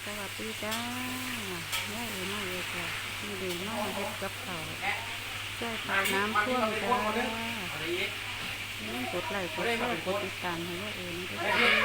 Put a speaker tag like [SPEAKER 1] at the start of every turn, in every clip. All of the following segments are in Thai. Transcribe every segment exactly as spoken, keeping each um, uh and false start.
[SPEAKER 1] วัสดีจ้าแม่เอ๋มาเอ๋จ้ะนี่ดีมาเฮ็ดกับเขาช่วยพาน้ำท่วมจ้านี่กดไลค์กดแชร์กดติดตามให้แม่เอ๋ด้วยจ้า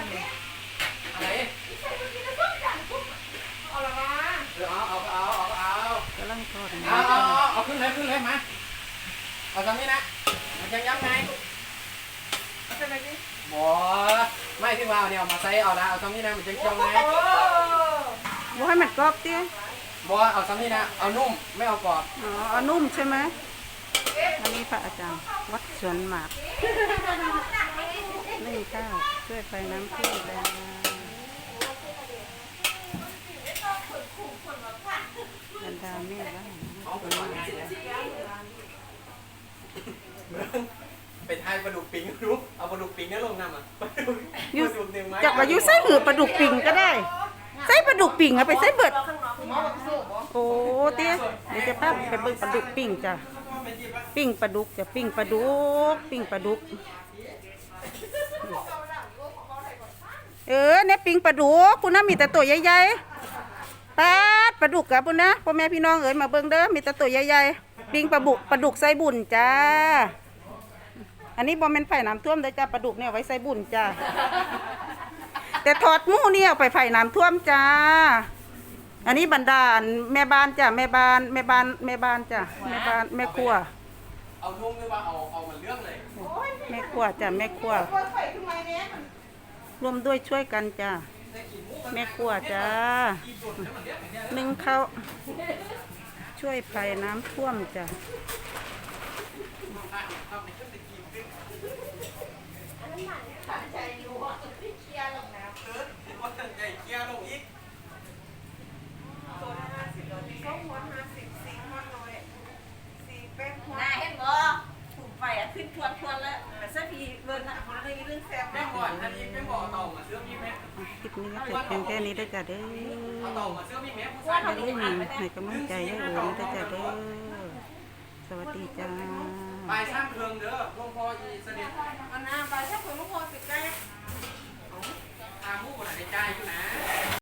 [SPEAKER 2] เอาละมาเอาเอาเอาเอาเอา
[SPEAKER 1] กำลังทอด
[SPEAKER 2] เอา
[SPEAKER 1] น้ำจ้า
[SPEAKER 2] เอาเอาขึ้นเลยขึ้นเลยมาเอาตรงนี้นะมันยังย้ำไงเอาใช่ไหมพี่บ่ไม่พี่ว่าเนี่ยเอามาใส่เอาละเอาตรงนี้นะมันจะเคี่ยวไง
[SPEAKER 1] บ่ให้มันกรอบตี้
[SPEAKER 2] บ่เอาตรงนี้นะเอานุ่มไม่เอากรอบ
[SPEAKER 1] อ๋อเอานุ่มใช่ไหมอันนี้พระอาจารย์วัดสวนหมากนึ่งข้าวช่วยไฟน้ำท่วมจ้าบรรดาแม่บ้าน
[SPEAKER 2] เป็นไทยปลาดุกปิงรู้เอาปลาดุกปิงนี่ลงน้ำอ่ะปลาดุกหนึ่งไม้
[SPEAKER 1] จากว่าอยู่ไส้หือปลาดุกปิ่งก็ได้ไส้ปลาดุกปิ่งเอาไปไส้เบิดโอ้เตี้ยเดี๋ยวจะพาไปเบิ่งปลาดุกปิ่งจ้ะปิ้งปลาดุกจะปิ้งปลาดุกปิ้งปลาดุกเออเนี่ยปิ้งปลาดุกคุณน้ามีแต่ตัวใหญ่ๆปลาปลาดุกกับคุณนะพ่อแม่พี่น้องเอ๋ยมาเบิ่งเด้อมีแต่ตัวใหญ่ๆปิ้งปลาบุกปลาดุกใส่บุญจ้าอันนี้บอมเป็นไผ่น้ำท่วมได้จ้าปลาดุกเนี่ยไว้ใส่บุญจ้าแต่ทอดหมูเนี่ยไปไผ่น้ำท่วมจ้าอันนี้บรรดาแม่บ้านจ้าแม่บ้านแม่บ้านแม่บ้านจ้าแม่บ้านแม่ครัว
[SPEAKER 2] เอานุ่มหรือว่าเอาเอามันเรื่องเลย
[SPEAKER 1] แม่ครัวจ้าแม่ครัวร่วมด้วยช่วยกันจ้าแม่ครัวจ้านึ่งข้าวช่วยไผ่น้ำท่วมจ้า
[SPEAKER 3] น่าเห็นบ่ถูกไฟอ่ะขึ้นทวนทวนแล้วแต่สักทีเบิร์นอ่ะคนละเรื่องแซ่บ
[SPEAKER 2] แม่ก่อนอันนี้ไม่บอกต่อมาเสื้อพี่แม่
[SPEAKER 1] คลิปนี้ก็จบเพียงแค่นี้ได้จ้าเด้อ
[SPEAKER 2] เอาต่อมาเสื้อพี่แม่ผู้
[SPEAKER 1] อ
[SPEAKER 2] ชาย
[SPEAKER 1] ย่าลืมให้กำลังใจยายโอ๋ได้จ้าเด้อสวัสดีจ้า
[SPEAKER 2] ไปสร้างเครื่องเด้อหลวงพ่ออีเสด็จ
[SPEAKER 3] อันน่ะไปถ้าคนลูกโคสิใกล้
[SPEAKER 2] อาผู้คนไหนใจอยู่นะ